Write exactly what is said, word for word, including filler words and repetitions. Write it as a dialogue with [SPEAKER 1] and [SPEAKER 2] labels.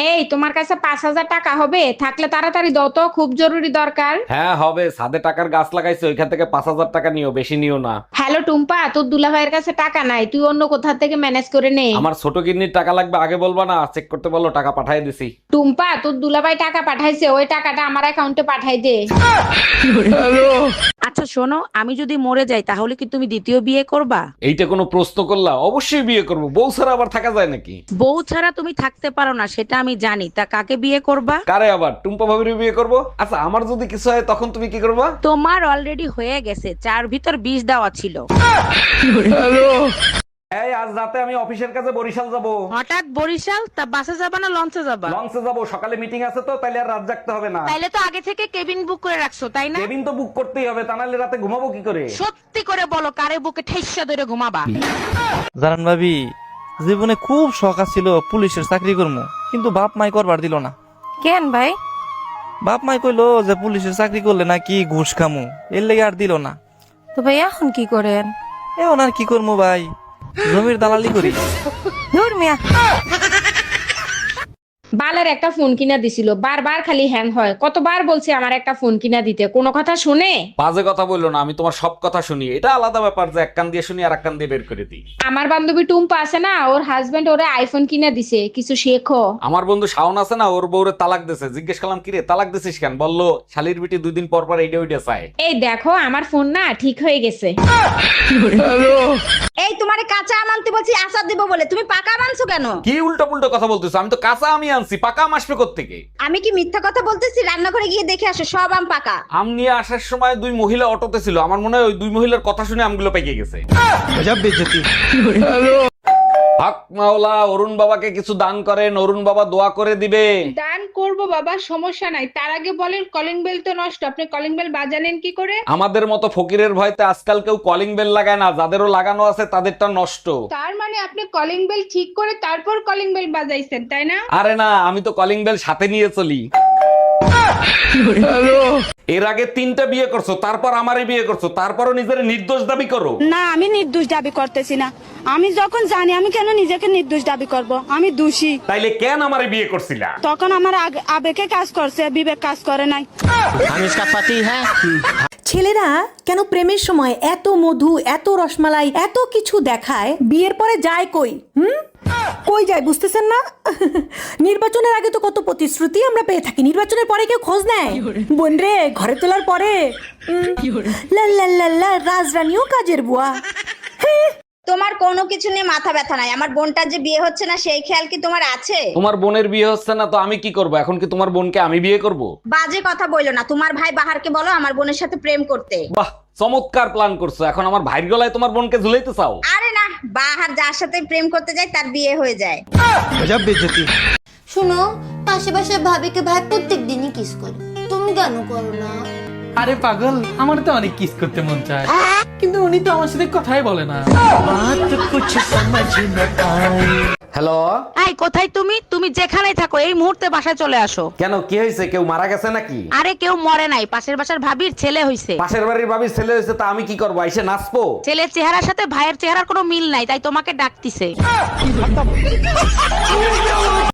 [SPEAKER 1] এই তোমার কাছে পাঁচ হাজার টাকা হবে? থাকলে তাড়াতাড়ি দাও তো, খুব জরুরি দরকার।
[SPEAKER 2] হ্যাঁ হবে, সাদে টাকার গাছ লাগাইছে, ওইখান থেকে পাঁচ হাজার টাকা নিও, বেশি নিও না।
[SPEAKER 1] হ্যালো টুম্পা, তোর দুলাভাইয়ের কাছে টাকা নাই, তুই অন্য কোথা থেকে ম্যানেজ করে নে।
[SPEAKER 2] আমার ছোট কিডনির টাকা লাগবে, আগে বলবা না? চেক করতে বলো, টাকা পাঠিয়ে দিছি।
[SPEAKER 1] টুম্পা, তোর দুলাভাই টাকা পাঠাইছে, ওই টাকাটা আমার অ্যাকাউন্টে পাঠাই দে।
[SPEAKER 3] আচ্ছা শোনো, আমি যদি মরে যাই তাহলে কি তুমি দ্বিতীয় বিয়ে করবা?
[SPEAKER 2] এইটা কোনো প্রশ্ন করলা? অবশ্যই বিয়ে করবো, বউ ছাড়া আবার থাকা যায় নাকি?
[SPEAKER 3] বউ ছাড়া তুমি থাকতে পারো না সেটা আমি জানি, তা কাকে বিয়ে করবা?
[SPEAKER 2] কারে আবার? টুম্পা ভাবির বিয়ে করবো। আচ্ছা আমার যদি কিছু হয় তখন তুমি কি করবা?
[SPEAKER 3] তোমার অলরেডি হয়ে গেছে, চার ভিতর বিষ দেওয়া ছিল।
[SPEAKER 2] এই আজ রাতে আমি অফিসের কাছে বরিশাল যাব।
[SPEAKER 3] হঠাৎ বরিশাল? তা বাসে যাবা না লঞ্চে যাবা?
[SPEAKER 2] লঞ্চে যাব, সকালে মিটিং আছে তো, তাইলে আর রাত জাগতে হবে না।
[SPEAKER 3] তাইলে তো আগে থেকে কেবিন বুক করে রাখছো তাই না?
[SPEAKER 2] কেবিন তো বুক করতেই হবে, তা নাহলে রাতে ঘুমাবো কি করে?
[SPEAKER 3] সত্যি করে বলো, কারে বুকে ঠেসা ধরে ঘুমাবা?
[SPEAKER 4] জানান ভাবি, জীবনে খুব শখ ছিল পুলিশের চাকরি করবো, কিন্তু বাপ মাই করবার দিল না।
[SPEAKER 3] কেন ভাই?
[SPEAKER 4] বাপ মাই কইলো যে পুলিশের চাকরি করলে নাকি ঘুষ খামু, এর লেগে আর দিল না।
[SPEAKER 3] তো ভাই এখন কি করেন?
[SPEAKER 4] এখন আর কি করবো ভাই, জমির দালালি করি।
[SPEAKER 3] ধুর মিয়া।
[SPEAKER 1] বালের একটা ফোন কিনা দিছিল, বারবার খালি হ্যাং হয়। কতবার বলছি আমার একটা ফোন কিনা দিতে, কোনো কথা শুনে?
[SPEAKER 2] বাজে কথা বললো না, আমি তোমার সব কথা শুনি। এটা আলাদা ব্যাপার যে এক কান দিয়ে শুনি আর এক কান দিয়ে বের করে দিই।
[SPEAKER 1] আমার বান্ধবী টুম্পা আছে না, ওর হাজবেন্ড ওরে আইফোন কিনা দিছে, কিছু শেখো।
[SPEAKER 2] আমার বন্ধু শাওন আছে না, ওর বউরে তালাক দিছে। জিজ্ঞেস করলাম কিরে তালাক দিছিস কেন? বললো শালির বিটি দুই দিন পর পর এইটা ওইটা চায়।
[SPEAKER 1] এই দেখো আমার ফোন না ঠিক হয়ে গেছে।
[SPEAKER 5] এই তোমারে কাঁচা আম আনতে বলছি আচার দিব বলে, তুমি পাকা আম আনছো কেন?
[SPEAKER 2] কি উল্টো পুল্টো কথা বলতেছো? আমি তো কাঁচা আমি আনছি, পাকা আম আসবে কোত্থেকে?
[SPEAKER 5] আমি কি মিথ্যা কথা বলতেছি? রান্নাঘরে গিয়ে দেখে আসো, সব আম পাকা।
[SPEAKER 2] আম নিয়ে আসার সময় দুই মহিলা অটোতে ছিল, আমার মনে হয় ওই দুই মহিলার কথা শুনে আমগুলো পেকে গেছে। হক মাওলা, অরুণ বাবাকে কিছু দান করেন, অরুণ বাবা দোয়া করে দিবে।
[SPEAKER 6] দান করব বাবা, সমস্যা নাই। তার আগে বলেন কলিং বেল তো নষ্ট, আপনি কলিং বেল বাজালেন কি করে?
[SPEAKER 2] আমাদের মতো ফকিরের ভয়তে আজকাল কেউ কলিং বেল লাগায় না, যাদেরও লাগানো আছে তাদেরটা নষ্ট।
[SPEAKER 6] তার মানে আপনি কলিং বেল ঠিক করে তারপর কলিং বেল বাজাইছেন তাই না?
[SPEAKER 2] আরে না, আমি তো কলিং বেল সাথে নিয়ে চলি। এর আগে তিনটা বিয়ে করছো, তারপর আমারই বিয়ে করছো, তারপরও নিজের নির্দোষ দাবি করো।
[SPEAKER 7] না, আমি নির্দোষ দাবি করতেছি না। আমি যখন জানি, আমি কেন নিজেকে নির্দোষ দাবি করব? আমি দোষী।
[SPEAKER 2] তাইলে কেন আমারে বিয়ে করছিলা?
[SPEAKER 7] তখন আমার আগ- আবেগে কাজ করছে, বিবেক কাজ করে নাই।
[SPEAKER 8] ছেলেরা কেন প্রেমের সময় এত মধু, এত রসমালাই, এত কিছু দেখায়, বিয়ের পরে যায় কই? হুম, কই যায় বুঝতেছেন না? নির্বাচনের আগে তো কত প্রতিশ্রুতি আমরা পেয়ে থাকি, নির্বাচনের পরে কেউ খোঁজ নেয়? বোন রে, ঘরে তোলার পরে উম, লা লা লা লা, রাজরানীও কাজের বুয়া।
[SPEAKER 5] তোমার কোনো কিছু নিয়ে মাথা ব্যথা নাই। আমার বোনটার যে বিয়ে হচ্ছে না সেই খেয়াল কি তোমার আছে?
[SPEAKER 2] তোমার বোনের বিয়ে হচ্ছে না তো আমি কি করব? এখন কি তোমার বোনকে আমি বিয়ে করব?
[SPEAKER 5] বাজে কথা বইলো না। তোমার ভাই বাহারকে বলো আমার বোনের সাথে প্রেম করতে।
[SPEAKER 2] বাহ, চমৎকার প্ল্যান করছো। এখন আমার ভাইয়ের গলায় তোমার বোনকে ঝুলাইতে চাও?
[SPEAKER 5] আরে না, বাহার যার সাথে প্রেম করতে যায় তার বিয়ে হয়ে যায়।
[SPEAKER 9] শোনো, পাশে পাশে ভাবিকে ভাই প্রত্যেক দিনই কিস করে, তুমি কেন করো না?
[SPEAKER 10] আরে পাগল, আমার তো অনেক কিস করতে মন চায়, কিন্তু উনি তো আমার সাথে কথাই বলে না।
[SPEAKER 2] হ্যালো,
[SPEAKER 3] এই কোথায় তুমি? তুমি যেখানেই থাকো এই মুহূর্তে বাসায় চলে আসো।
[SPEAKER 2] কেন কি হয়েছে? কেউ মারা গেছে নাকি?
[SPEAKER 3] আরে কেউ মরে নাই, পাশের বাসার ভাবির ছেলে হইছে।
[SPEAKER 2] পাশের বাড়ির ভাবির ছেলে হয়েছে, তা আমি কি করবো? এসে নাচবো?
[SPEAKER 3] ছেলের চেহারার সাথে ভাইয়ের চেহারার কোনো মিল নাই, তাই তোমাকে ডাকতিছে।